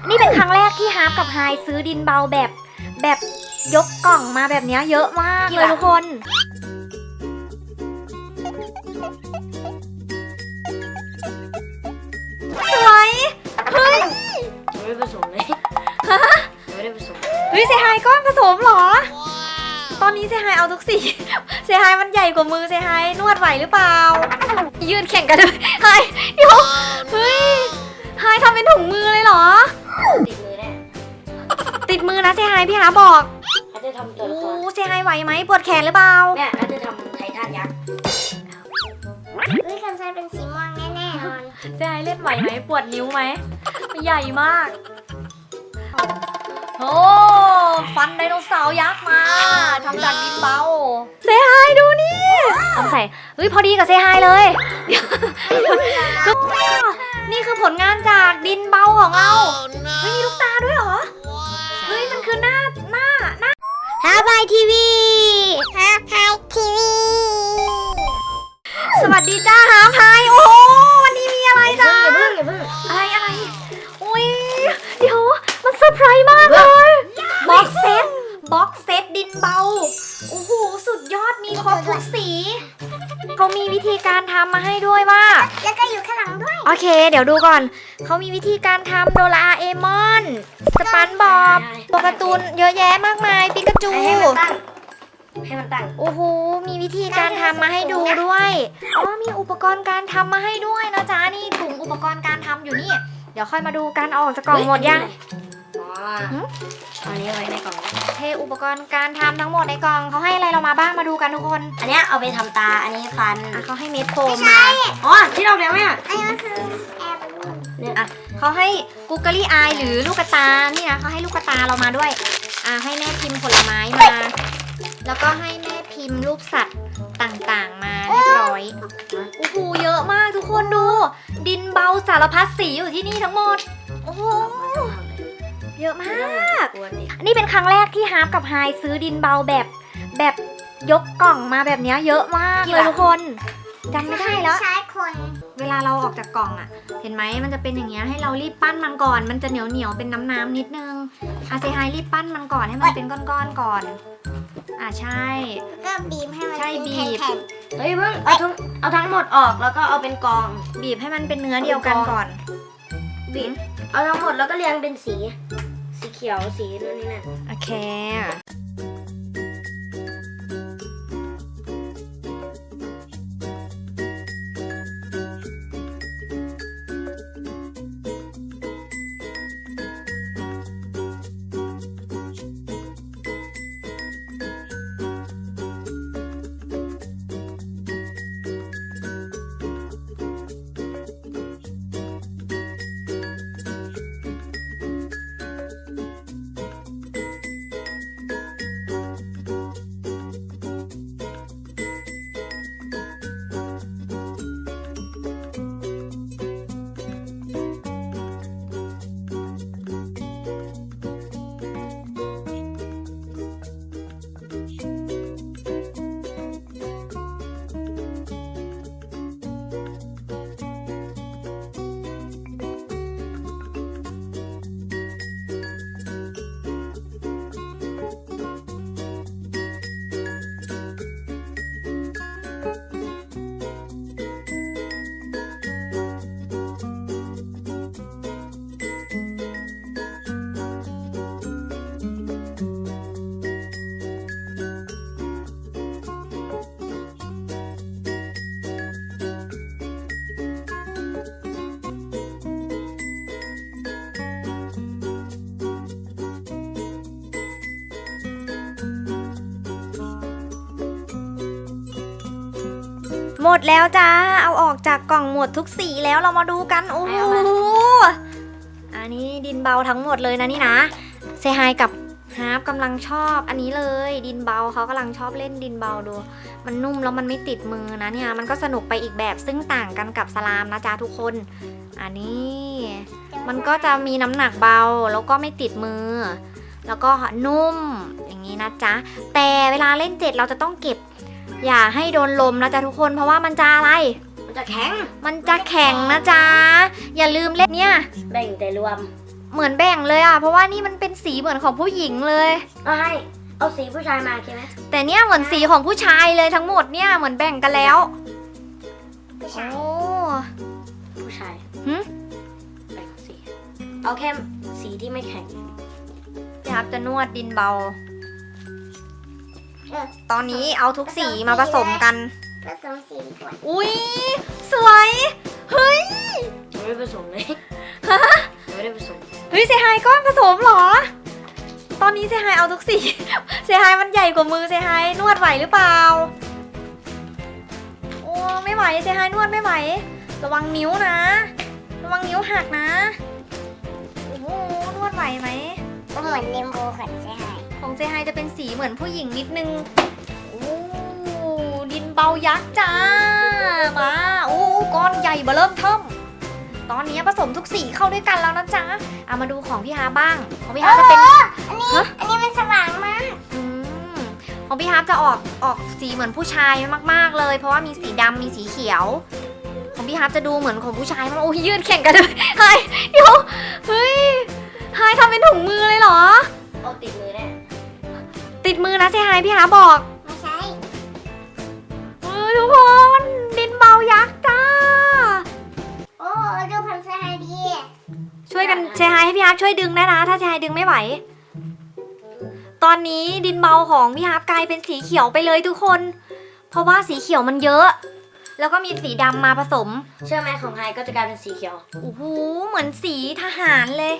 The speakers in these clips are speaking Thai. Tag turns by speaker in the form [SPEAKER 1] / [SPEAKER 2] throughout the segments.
[SPEAKER 1] นี่เป็นครั้งแรกที่ฮาร์ปกับไฮซื้อดินเบาแบบยกกล่องมาแบบนี้เยอะมากเลยทุกคนสวยเฮ้ย
[SPEAKER 2] ไม่ได้ผสมเลย
[SPEAKER 1] ฮะ
[SPEAKER 2] ไม่ได้ผสม
[SPEAKER 1] เฮ้ยเซฮายก้อนผสมเหรอตอนนี้เซฮายเอาทุกสีเซฮายมันใหญ่กว่ามือเซฮายนวดไหวหรือเปล่ายืนแข่งกันเลยไฮเดี๋ยวเฮ้ยไฮทำเป็นถุงมือเลยเหรอ
[SPEAKER 2] ติดมือแน่
[SPEAKER 1] ติดมือนะเซฮายพี่หาบอก
[SPEAKER 2] เขาจะทำตัวละคร
[SPEAKER 1] เซฮายไหวไหมปวดแขนหรือเปล่า
[SPEAKER 2] แม่เขาจะทำไททันยักษ์
[SPEAKER 3] คำชายเป็นสีม่วงแน่ๆนอน
[SPEAKER 1] เซฮายเล่นไหวไหมปวดนิ้วไหมใหญ่มากโอ้ฟันไดโนเสาร์ยักษ์มาทำจากดินเบาเซฮายดูนี่เอาใส่เฮ้ยพอดีกับเซฮายเลยนี่คือผลงานจากดินเบาของเราเฮ้ยมีลูกตาด้วยเหรอเฮ้ยมันคือหน้า
[SPEAKER 3] ฮาบายทีวีฮาบายทีวี
[SPEAKER 1] สวัสดีจ้าฮาพายโอ้วันนี้มีอะไรจ้า
[SPEAKER 2] อย่าเพิ่ง
[SPEAKER 1] อะไรอุ้ยเดี๋ยวมันเซอร์ไพรส์มากเลยบ็อกเซตดินเบาโอ้โหสุดยอดมีครบทุกสีเขามีวิธีการทำมาให้ด้วยว่า
[SPEAKER 3] แล้วก็อยู่ข้างหลังด้วย
[SPEAKER 1] โอเคเดี๋ยวดูก่อนเขามีวิธีการทำโดราเอมอนสปันบอบตัวการ์ตูนเยอะแยะมากมายปิกาจู
[SPEAKER 2] ให้มันตั้ง
[SPEAKER 1] โอ้โหมีวิธีการทำมาให้ดูด้วยอ๋อมีอุปกรณ์การทำมาให้ด้วยนะจ๊ะนี่ถุงอุปกรณ์การทำอยู่นี่เดี๋ยวค่อยมาดูกันออกจากกล่องหมดยัง
[SPEAKER 2] อันนี้ไว้ในกล่อง
[SPEAKER 1] เทอุปกรณ์การทำทั้งหมดในกล่องเขาให้อะไรเรามาบ้างมาดูกันทุกคน
[SPEAKER 2] อันนี้เอาไปทำตาอันนี้ฟัน
[SPEAKER 1] เขาให้เม็ดโฟมมา
[SPEAKER 2] อ๋อที่เราเลี้ยงไหม
[SPEAKER 3] อันนี้คือแอร์บอลลูน
[SPEAKER 1] เนี่ยเขาให้กูเกอรี่อายหรือลูกตานี่นะเขาให้ลูกตาเรามาด้วยให้แม่พิมพ์ผลไม้มาแล้วก็ให้แม่พิมพ์รูปสัตว์ต่างๆมาเรียบร้อยโอ้โหเยอะมากทุกคนดูดินเบาสารพัดสีอยู่ที่นี่ทั้งหมดโอ้โหเยอะมากนี่เป็นครั้งแรกที่ฮาร์ปกับไฮซื้อดินเบาแบบยกกล่องมาแบบนี้เยอะมากเลยทุกคนจำไม่ได้แล้ว
[SPEAKER 3] ใช้คน
[SPEAKER 1] เวลาเราออกจากกล่องเห็นไหมมันจะเป็นอย่างเงี้ยให้เรารีบปั้นมันก่อนมันจะเหนียวเป็นน้ำนิดนึงเซฮายรีบปั้นมันก่อนให้มันเป็นก้อนๆก่อนใช่
[SPEAKER 3] ก็บีบให้มัน
[SPEAKER 1] ใช่บีบ
[SPEAKER 2] เฮ้ยเพิ่งเอาทั้งหมดออกแล้วก็เอาเป็นกอง
[SPEAKER 1] บีบให้มันเป็นเนื้อเดียวกันก่อน
[SPEAKER 2] บีบเอาทั้งหมดแล้วก็เรียงเป็นสีเขียวสีนู่นนี่นั่น
[SPEAKER 1] โอเคหมดแล้วจ้าเอาออกจากกล่องหมดทุกสีแล้วเรามาดูกันโอ้โหอันนี้ดินเบาทั้งหมดเลยนะนี่นะเซฮายกับฮาร์ปกำลังชอบอันนี้เลยดินเบาเขากำลังชอบเล่นดินเบาดูมันนุ่มแล้วมันไม่ติดมือนะเนี่ยมันก็สนุกไปอีกแบบซึ่งต่างกันกับสลามนะจ๊ะทุกคนอันนี้มันก็จะมีน้ำหนักเบาแล้วก็ไม่ติดมือแล้วก็นุ่มอย่างนี้นะจ๊ะแต่เวลาเล่นเจ็ดเราจะต้องเก็บอย่าให้โดนลมนะจ๊ะทุกคนเพราะว่ามันจะอะไร
[SPEAKER 2] มันจะแข็ง
[SPEAKER 1] นะจ๊ะอย่าลืมเล่นเนี่ย
[SPEAKER 2] แบ่งแต่รวม
[SPEAKER 1] เหมือนแบ่งเลยอ่ะเพราะว่านี่มันเป็นสีเหมือนของผู้หญิงเลย
[SPEAKER 2] เอาสีผู้ชายมาโอเคไหม
[SPEAKER 1] แต่เนี่ยเหมือนสีของผู้ชายเลยทั้งหมดเนี่ยเหมือนแบ่งกันแล้วโอ้
[SPEAKER 2] ผู้ชาย
[SPEAKER 1] หึ
[SPEAKER 2] แบ่งสีเอาแค่สีที่ไม่แข็ง
[SPEAKER 1] พี่ฮับจะนวดดินเบา
[SPEAKER 3] เออ
[SPEAKER 1] ตอนนี้เอาทุกสีมาผสมกัน
[SPEAKER 3] ผสมสีก่อน
[SPEAKER 1] อุ้ยสวยเฮ้ย
[SPEAKER 2] ไม่ได้ผสมเลย
[SPEAKER 1] ฮะ
[SPEAKER 2] ไม่ได้ผสม
[SPEAKER 1] เฮ้ยเซฮายก็ผสมเหรอ ตอนนี้เซฮายเอาทุกสี เซฮายมันใหญ่กว่ามือเซฮายนวดไหวหรือเปล่าโอ้ไม่ไหวเซฮายนวดไม่ไหวระวังนิ้วนะระวังนิ้วหักนะโอ้โหนวดไหวไหม
[SPEAKER 3] ก็เหมือนเรนโบว์ของใช่ไหม
[SPEAKER 1] ของเซฮายจะเป็นสีเหมือนผู้หญิงนิดนึงโอ้ดินเบายักษ์จ้ามาโอ้ก้อนใหญ่เบ้อเริ่มเทิ่มตอนนี้ผสมทุกสีเข้าด้วยกันแล้วนะจ๊ะเอามาดูของพี่ฮาบ้างของพี่ฮาจะเป็น
[SPEAKER 3] อันนี้มันสว่างมาก
[SPEAKER 1] อืมของพี่ฮาร์ปจะออกสีเหมือนผู้ชายมากๆเลย เพราะว่ามีสีดำมีสีเขียว ของพี่ฮาร์ปจะดูเหมือนของผู้ชายมากโอ้ยยืดแข่งกันเลยไฮเดี๋ยวเฮ้ยไฮทำเป็นถุงมือเลยเหรอ
[SPEAKER 2] เอาติดมือแน่
[SPEAKER 1] ติดมือนะเซฮายพี่ฮาร์ปบอก
[SPEAKER 3] ไม่ใช่
[SPEAKER 1] ทุกคนดินเบายักษ์จ้า
[SPEAKER 3] โอ้ดูพันธุ์ใช่ไหมดี
[SPEAKER 1] ช่วยกันเซฮายให้พี่ฮาร์ปช่วยดึงได้นะถ้าเซฮายดึงไม่ไหว ตอนนี้ดินเบาของพี่ฮาร์ปกลายเป็นสีเขียวไปเลยทุกคน เพราะว่าสีเขียวมันเยอะ แล้วก็มีสีดำมาผสม
[SPEAKER 2] เชื่อไหมของไฮก็จะกลายเป็นสีเขียว
[SPEAKER 1] โอ้โหเหมือนสีทหารเลย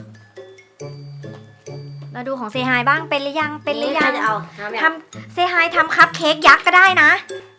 [SPEAKER 1] มาดูของเซฮายบ้างเป็นหรือยังเป็นหรือยัง
[SPEAKER 2] ใคจะเอาน้ำ
[SPEAKER 1] ทำเซฮายทำคัพเค้กยักษ์ก็ได้นะ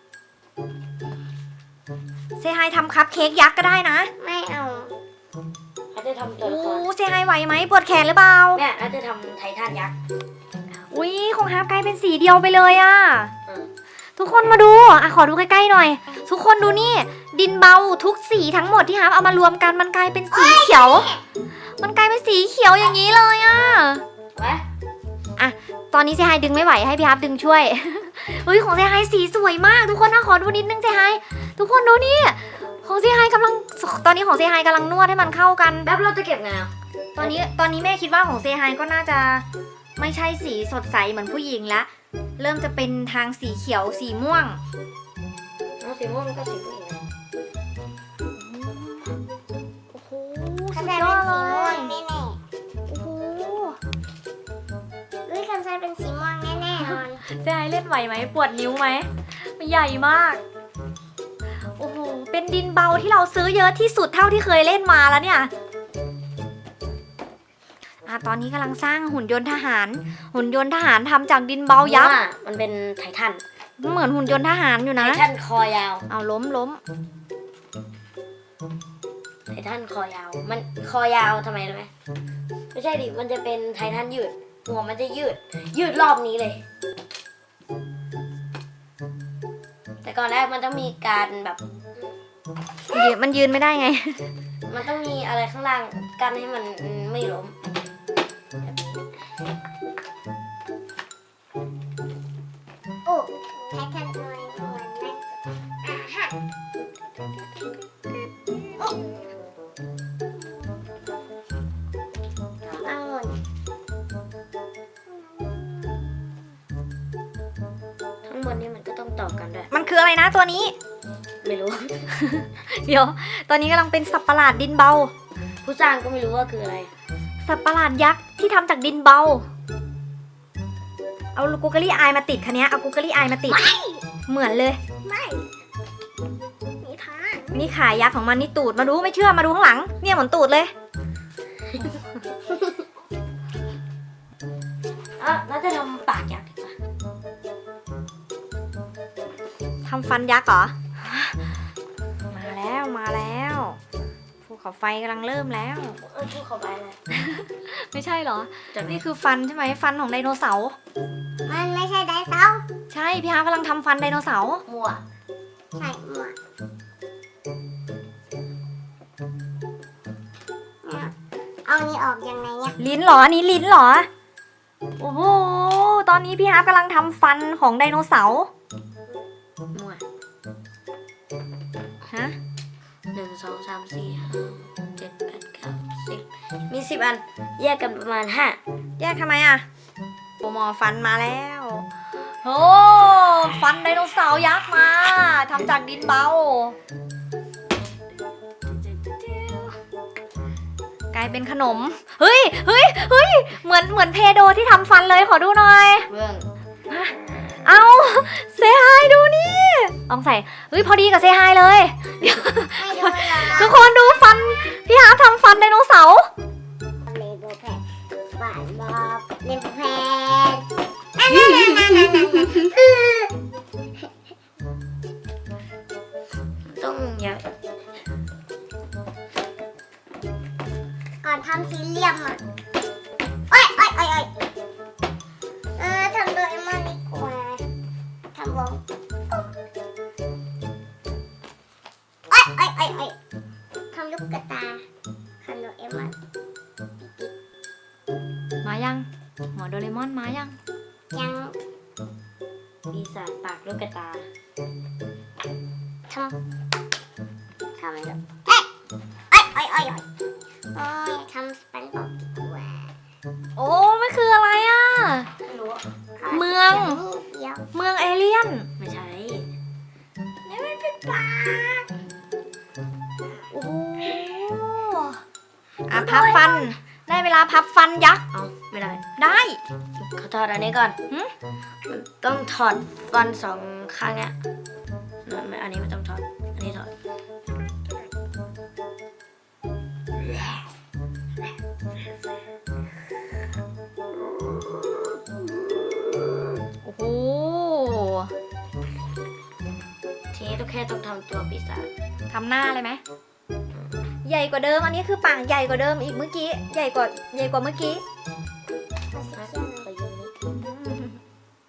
[SPEAKER 1] เซฮายทำคัพเค้กยักษ์ก็ได้นะ
[SPEAKER 3] ไม่เอา
[SPEAKER 2] เขาจะทำตัว
[SPEAKER 1] โอ้
[SPEAKER 2] ละคร
[SPEAKER 1] เซฮายไหวไหมปวดแขนหรือเปล่า
[SPEAKER 2] เนี่ยเราจะทำไททันยักษ์
[SPEAKER 1] อุ้ยของฮาร์ปกลายเป็นสีเดียวไปเลยอะ
[SPEAKER 2] อืม
[SPEAKER 1] ทุกคนมาดูอ่ะขอดูใกล้ๆหน่อย ทุกคนดูนี่ ดินเบาทุกสีทั้งหมดที่ฮาร์ปเอามารวมกันมันกลายเป็นสีเขียว มันกลายเป็นสีเขียวอย่างนี้เลยอะ
[SPEAKER 2] ไว้
[SPEAKER 1] ตอนนี้เซฮายดึงไม่ไหวให้พี่ฮาร์ปดึงช่วย เฮ้ยของเซฮายสีสวยมาก ทุกคนนะขอดูนิดนึงเซฮายทุกคนดูนี่ของเซฮายกำลังตอนนี้ของเซฮายกำลังนวดให้มันเข้ากัน
[SPEAKER 2] แล้วเราจะเก็บไงอ่ะ
[SPEAKER 1] ตอนนี้แม่คิดว่าของเซฮายก็น่าจะไม่ใช่สีสดใสเหมือนผู้หญิงละเริ่มจะเป็นทางสีเขียวสีม่วง
[SPEAKER 2] เอาสีม่วงก็สีผู้หญิงนะ
[SPEAKER 1] โอ้โห
[SPEAKER 3] คั
[SPEAKER 1] สุ
[SPEAKER 3] น
[SPEAKER 1] ด
[SPEAKER 3] ไซ
[SPEAKER 1] ยอ
[SPEAKER 3] เป็น
[SPEAKER 1] ดเล
[SPEAKER 3] สีม่วย งแน่
[SPEAKER 1] โอ้โห
[SPEAKER 3] ๆอุ้ยคันไซเป็นสีม่วงแน่ๆนอน
[SPEAKER 1] เซฮายเล่นไหวไหมปวดนิ้วไหมมันใหญ่มากโอ้โหเป็นดินเบาที่เราซื้อเยอะที่สุดเท่าที่เคยเล่นมาแล้วเนี่ยตอนนี้กำลังสร้างหุ่นยนต์ทหาร หุ่นยนต์ทหารทำจากดินเบายักษ์
[SPEAKER 2] ว่ามันเป็นไททัน
[SPEAKER 1] เหมือนหุ่นยนต์ทหารอยู่
[SPEAKER 2] ไท
[SPEAKER 1] นะ
[SPEAKER 2] ทันคอยาว
[SPEAKER 1] เอาล้ม
[SPEAKER 2] ไททันคอยาว มันคอยาวทำไมรู้ไหมไม่ใช่ดิ มันจะเป็นไททันยืด หัวมันจะยืดรอบนี้เลย แต่ก่อนแรกมันต้องมีการแบบ
[SPEAKER 1] มันยืนไม่ได้ไง
[SPEAKER 2] มันต้องมีอะไรข้างล่างกันให้มันไม่ล้มแบบนี้
[SPEAKER 3] โอ้ไททันตัวนี้ตัวนั้นอ่ะฮะเอาหมด
[SPEAKER 2] ทั้งหมดนี้มันก็ต้องต่อกันด้วย
[SPEAKER 1] มันคืออะไรนะตัวนี้
[SPEAKER 2] ไม่รู้
[SPEAKER 1] เดี๋ยว ตอนนี้กำลังเป็นสัตว์ประหลาดดินเบา
[SPEAKER 2] ผู้สร้างก็ไม่รู้ว่าคืออะไร
[SPEAKER 1] สัตว์ประหลาดยักษ์ที่ทำจากดินเบา เอากูเกอรี่อายมาติดคันนี้เอากูเกอรี่อายมาติด เหมือนเลย
[SPEAKER 3] ไม่มีทาง
[SPEAKER 1] นี่ขายักษ์ของมันนี่ตูดมาดูไม่เชื่อมาดูข้างหลัง เนี่ยเหมือนตูดเลย
[SPEAKER 2] น่าจะทำปากยักษ์ดีกว่า
[SPEAKER 1] ทำฟันยักษ์เหรอ มาแล้วภูเขาไฟกำลังเริ่มแล้ว
[SPEAKER 2] พูดเข้าไปเลย
[SPEAKER 1] ไม่ใช่เหรอ
[SPEAKER 2] จะไม่
[SPEAKER 1] นี่คือฟันใช่ไหมฟันของไดโนเสาร์
[SPEAKER 3] มันไม่ใช่ไดโนเสาร์
[SPEAKER 1] ใช่พี่ฮาร์ปกำลังทำฟันไดโนเสาร์
[SPEAKER 2] มั่ว
[SPEAKER 3] ใช่หมวกเนี่ยเอานี่ออกยังไงเนี่ย
[SPEAKER 1] ลิ้นเหรออันนี้ลิ้นเหรอ โอ้โห ตอนนี้พี่ฮาร์ปกำลังทำฟันของไดโนเสาร์
[SPEAKER 2] มั่ว
[SPEAKER 1] ฮะ
[SPEAKER 2] 1 2 3 4 5 7 8 9 10 มี10 อัน แยกกันประมาณ
[SPEAKER 1] แยกทำไมอ่ะโปรหมอฟันมาแล้วโอ้ฟันไดโนเสาร์ยักษ์มาทำจากดินเบากลายเป็นขนมเฮ้ยเหมือนเพโดที่ทำฟันเลยขอดูหน่อย
[SPEAKER 2] เบื้อง
[SPEAKER 1] เอาเซฮายดูนี่ลองใส่พอดีกับเซฮายเลยเดี๋ยว
[SPEAKER 3] ไม่ดูหรอ
[SPEAKER 1] ทุกคนดูฟันพี่ฮาร์ปทำฟันไดโนเสาร์
[SPEAKER 3] เลโบแพดหวานบอกเลโบแพดคือ
[SPEAKER 2] ต้องอยาก
[SPEAKER 3] ก่อนทำสี่เหลี่ยมอ่ะโอ้ยทำโดเรมอนดีกว่าทำวงโอ้ยทำลูกกระตาทำโดเรมอน
[SPEAKER 1] มายังหมอโดเรมอนมายัง
[SPEAKER 3] ยัง
[SPEAKER 2] ปีศาจปากลูกกระตา
[SPEAKER 3] ทำเลยโอ้ยทำสปันบอกดีกว่า
[SPEAKER 1] โอ้มันคืออะไรอ่ะ
[SPEAKER 2] ไม่รู้
[SPEAKER 1] เมือง
[SPEAKER 3] เดียว
[SPEAKER 1] เมืองเอเลี่ยน
[SPEAKER 2] ไม่ใช่
[SPEAKER 3] นี่มันเป็นปลา
[SPEAKER 1] โอ้โหพับฟันได้เวลาพับฟันยักษ์
[SPEAKER 2] เอาไม่ได้
[SPEAKER 1] ได้
[SPEAKER 2] เขาถอดอันนี้ก่อน
[SPEAKER 1] หึ
[SPEAKER 2] มันต้องถอดฟัน2 ข้างเนี้ยไม่อันนี้ไม่ต้องถอด อันนี้ถอด
[SPEAKER 1] โอ้โห
[SPEAKER 2] ทีนี้ต้องแค่ต้องทำตัวปีศาจ
[SPEAKER 1] ทำหน้าเลยไหมใหญ่กว่าเดิมอันนี้คือปากใหญ่กว่าเดิมอีกเมื่อกี้ใหญ่กว่าเมื่อกี้
[SPEAKER 2] ขอยืมนิด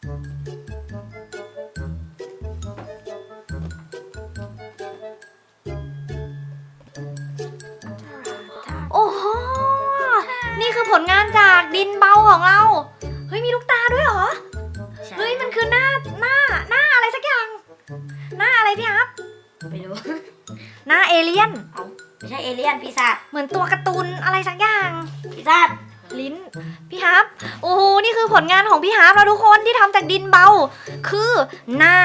[SPEAKER 1] โอ้โหนี่คือผลงานจากดินเบาของเราเฮ้ยมีลูกตาด้วยเหรอ
[SPEAKER 2] ใช่
[SPEAKER 1] เฮ้ยมันคือหน้าอะไรสักอย่าง หน้าอะไรพี่ฮับ
[SPEAKER 2] ไม่รู้
[SPEAKER 1] หน้าเอเลี่ยน
[SPEAKER 2] เอาไม่ใช่เอเลี่ยนปีศาจ
[SPEAKER 1] เหมือนตัวการ์ตูนอะไรสักอย่าง
[SPEAKER 2] ปีศาจ
[SPEAKER 1] ลิ้นพี่ฮับโอ้โหนี่คือผลงานของพี่ฮับแล้วทุกคนที่ทำจากดินเบา คือหน้า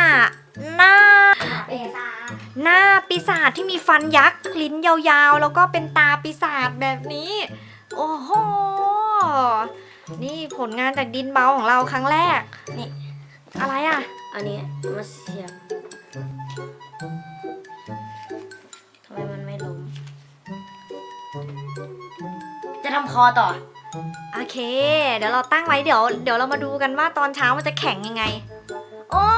[SPEAKER 1] ปีศาจที่มีฟันยักษ์ลิ้นยาวๆแล้วก็เป็นตาปีศาจแบบนี้ โอ้โหนี่ผลงานจากดินเบาของเราครั้งแรก
[SPEAKER 2] นี่
[SPEAKER 1] อะไรอ่ะ
[SPEAKER 2] อันนี้มาเสียบทำไมมันไม่ล้มจะทำคอต่อ
[SPEAKER 1] โอเค เดี๋ยวเราตั้งไว้เดี๋ยวเรามาดูกันว่าตอนเช้ามันจะแข็งยังไงโอ้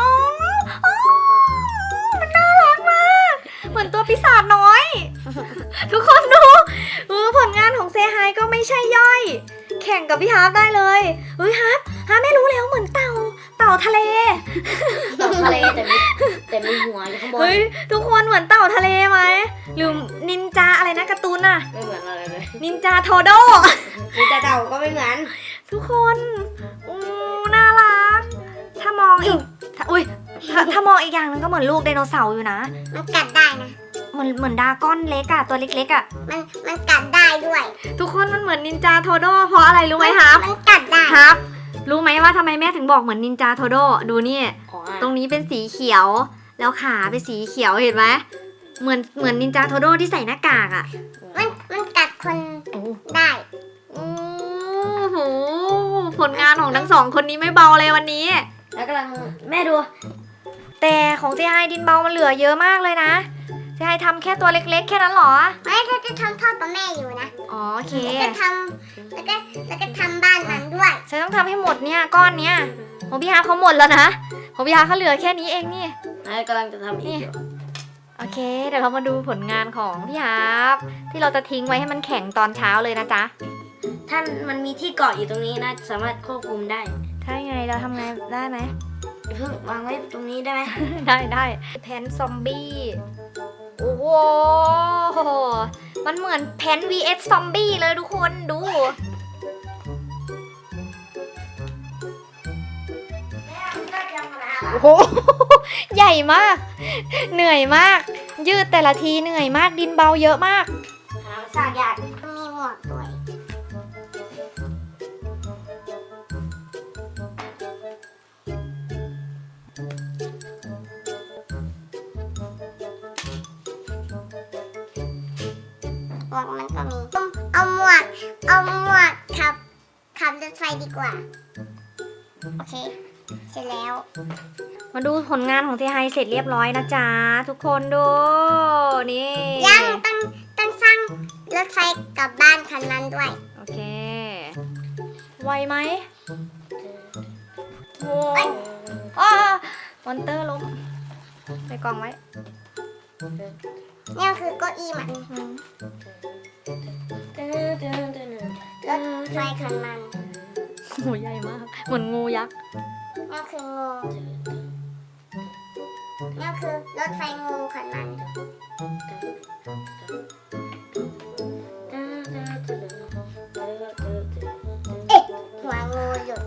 [SPEAKER 1] มันน่ารักมากเหมือนตัวปีศาจน้อย ทุกคนดูผลงานของเซฮายก็ไม่ใช่ย่อย แข่งกับพี่ฮาร์ปได้เลยเฮ้ยฮาร์ปไม่รู้แล้วเหมือนเต่าทะเล
[SPEAKER 2] ต่อทะเลแต่มีหัวอยู่ข้างบน
[SPEAKER 1] เฮ้ยทุกคนเหมือนเต่าทะเลไหมหรือนินจาอะไรนะการ์ตูนน่ะ
[SPEAKER 2] ไม่เหมือนอะไรเลย
[SPEAKER 1] นินจาโทโด
[SPEAKER 2] มีแต่เต่าก็ไม่เหมือน
[SPEAKER 1] ทุกคนน่ารักถ้ามองอีกถ้ามองอีกอย่างนึงก็เหมือนลูกไดโนเสาร์อยู่นะ
[SPEAKER 3] มันกัดได้นะ
[SPEAKER 1] เหมือนดราก้อนเล็กอะตัวเล็กๆอะ
[SPEAKER 3] มันกัดได้ด้วย
[SPEAKER 1] ทุกคนมันเหมือนนินจาโทโดเพราะอะไรรู้ไหมครับ
[SPEAKER 3] มันกัดได้
[SPEAKER 1] ครับ รู้ไหมว่าทำไมแม่ถึงบอกเหมือนนินจาโทโดดูนี่
[SPEAKER 2] อ๋อ
[SPEAKER 1] ตรงนี้เป็นสีเขียว แล้วขาเป็นสีเขียวเห็นไหมเหมือนนินจาโทโดที่ใส่หน้ากากอะ
[SPEAKER 3] มันกัดคน
[SPEAKER 1] โอ้
[SPEAKER 3] ได้
[SPEAKER 1] โหผลงานของทั้งสองคนนี้ไม่เบาเลยวันนี้
[SPEAKER 2] แล้วกำลังแม่ดู
[SPEAKER 1] แต่ของเจไฮดินเบามันเหลือเยอะมากเลยนะเจไฮทำแค่ตัวเล็กๆแค่นั้นเหรอ
[SPEAKER 3] ไม่ถ้าจะทำพ่อกับแม่อยู่นะ
[SPEAKER 1] อ๋อโอเค
[SPEAKER 3] แล้วก็ทำบ้านมันด้วย
[SPEAKER 1] ฉันต้องทำให้หมดเนี่ยก้อนเนี้ยของพี่ฮาร์ปเขาหมดแล้วนะของพี่ฮาร์ปเขาเหลือแค่นี้เองนี่
[SPEAKER 2] แม่กำลังจะทำอีกอยู่
[SPEAKER 1] โอเคเดี๋ยวเรามาดูผลงานของพี่ฮาร์ปที่เราจะทิ้งไว้ให้มันแข็งตอนเช้าเลยนะจ๊ะ
[SPEAKER 2] ถ้ามันมีที่เกาะอยู่ตรงนี้นะสามารถควบคุมได้
[SPEAKER 1] ถ้าไงเราทำไงได้ไหม
[SPEAKER 2] อย่าเพิ่งวางไว้ตรงนี้ได้ไหม
[SPEAKER 1] ได้แพนซอมบี้โอ้โหมันเหมือนแพน vs ซอมบี้เลยทุกคนดู โอ้โห ใหญ่มาก เหนื่อยมาก ยืดแต่ละทีเหนื่อยมากดินเบาเยอะมาก
[SPEAKER 2] หาสร้างยาก
[SPEAKER 3] มีหมวกด้วยหมวกมันก็มีเอาหมวกขับรถไฟดีกว่า โอเค เสร็จแล้ว
[SPEAKER 1] มาดูผลงานของเซไฮเสร็จเรียบร้อยนะจ๊ะทุกคนดูนี่
[SPEAKER 3] ยังต้องสร้างรถไฟกลับบ้านคันนั้นด้วย
[SPEAKER 1] โอเคไวไหมโอ้
[SPEAKER 3] เอ้ย
[SPEAKER 1] มอนเตอร์ล้มใส่กล่องไว้
[SPEAKER 3] นี่คือเก้าอี้มัน
[SPEAKER 1] อืม
[SPEAKER 3] รถไฟคันมัน
[SPEAKER 1] โหใหญ่มากเหมือนงูยักษ์
[SPEAKER 3] นี่คืองูนี่คือรถไฟงูคันมันเอ๊ะหัวงูหลุด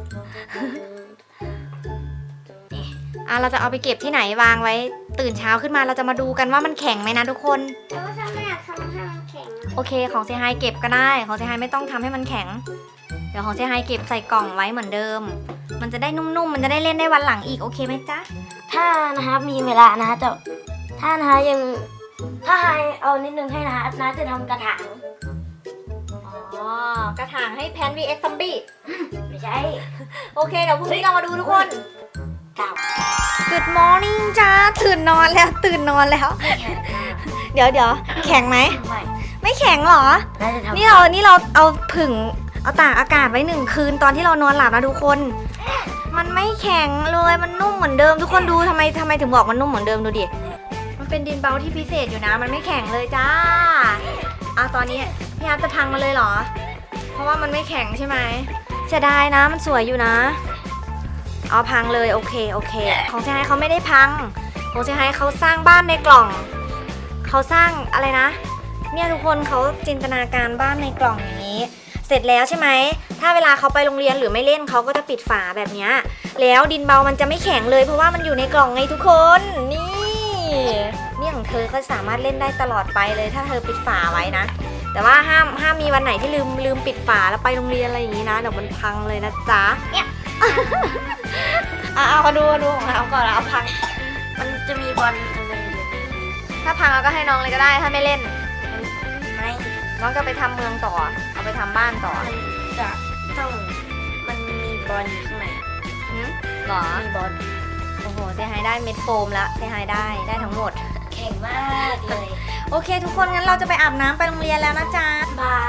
[SPEAKER 1] เราจะเอาไปเก็บที่ไหนวางไว้ ตื่นเช้าขึ้นมาเราจะมาดูกันว่ามันแข็งไหมนะทุกคน
[SPEAKER 3] แต่ว่าถ้าไม่อยากทำให้มันแข็ง
[SPEAKER 1] โอเคของเซไฮเก็บก็ได้ของเซไฮไม่ต้องทำให้มันแข็ง เดี๋ยวของเซไฮเก็บใส่กล่องไว้เหมือนเดิม มันจะได้นุ่มๆมันจะได้เล่นได้วันหลังอีกโอเคไหมจ๊ะ
[SPEAKER 2] ถ้านะครับมีเวลานะแต่ถ้านะฮะยังถ้าให้เอานิดนึงให้นะฮะนะจะทำกระถาง
[SPEAKER 1] อ๋อกระถางให้แพน vs ซอมบี้
[SPEAKER 2] ไม่ใช่
[SPEAKER 1] โอเคเดี๋ยวพรุ่งนี้เรามาดูทุกคน
[SPEAKER 2] กับ
[SPEAKER 1] Good morning จ้าตื่นนอนแล้วเดี๋ยวแข็งไหม
[SPEAKER 2] ไม่
[SPEAKER 1] ไม่แข็งเหรอ
[SPEAKER 2] น่าจะทำ
[SPEAKER 1] นี่เราเอาผึ่งเอาตากอากาศไว้1 คืนตอนที่เรานอนหลับนะทุกคน มันไม่แข็งเลยมันนุ่มเหมือนเดิมทุกคนดูทำไมถึงบอกมันนุ่มเหมือนเดิมดูดิมันเป็นดินเบาที่พิเศษอยู่นะมันไม่แข็งเลยจ้าตอนนี้พี่อาร์ตจะพังมาเลยเหรอ เพราะว่ามันไม่แข็งใช่ไหมเสียดายนะมันสวยอยู่นะเอาพังเลยโอเคของเซไฮเขาไม่ได้พังของเซไฮเขาสร้างบ้านในกล่องเขาสร้างอะไรนะเนี่ยทุกคนเขาจินตนาการบ้านในกล่องอย่างนี้ เสร็จแล้วใช่ไหมถ้าเวลาเขาไปโรงเรียนหรือไม่เล่นเขาก็จะปิดฝาแบบเนี้ยแล้วดินเบามันจะไม่แข็งเลยเพราะว่ามันอยู่ในกล่องไงทุกคนนี่ของเธอก็สามารถเล่นได้ตลอดไปเลยถ้าเธอปิดฝาไว้นะแต่ว่าห้ามมีวันไหนที่ลืมปิดฝาแล้วไปโรงเรียนอะไรอย่างนี้นะเดี๋ยวมันพังเลยนะจ๊ะเนี่ยเอามาดูของเราก่อนเอาพัง
[SPEAKER 2] มันจะมีบอลอันหนึงอยู่
[SPEAKER 1] ถ้าพังเราก็ให้น้องเลยก็ได้ถ้าไม่เล่น
[SPEAKER 2] ไม่
[SPEAKER 1] น้องจะไปทำเมืองต่อเอาไปทำบ้านต่อ
[SPEAKER 2] มันจะต้องมันมีบอลอยู่ข้างใน
[SPEAKER 1] หรอ
[SPEAKER 2] มีบอล
[SPEAKER 1] โอ้โหเซไฮได้เม็ดโฟมแล้วเซไฮได้ทั้งหมด
[SPEAKER 2] แข็งมากเลย
[SPEAKER 1] โอเคทุกคนงั้นเราจะไปอาบน้ำไปโรงเรียนแล้วนะจ๊ะ
[SPEAKER 2] บาย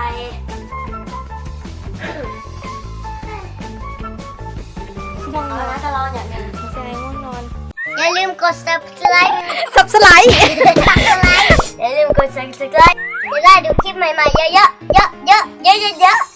[SPEAKER 1] ง่วงน
[SPEAKER 2] เอา
[SPEAKER 1] อน
[SPEAKER 2] ละถ้าเราอยากเล่น
[SPEAKER 1] เซไฮง่วงนอน
[SPEAKER 3] อย่าลืมกด subscribe
[SPEAKER 1] สับสไลด์
[SPEAKER 3] subscribe
[SPEAKER 2] อย่าลืมกด subscribe
[SPEAKER 3] จะได้ดูคลิปใหม่ๆเยอะๆ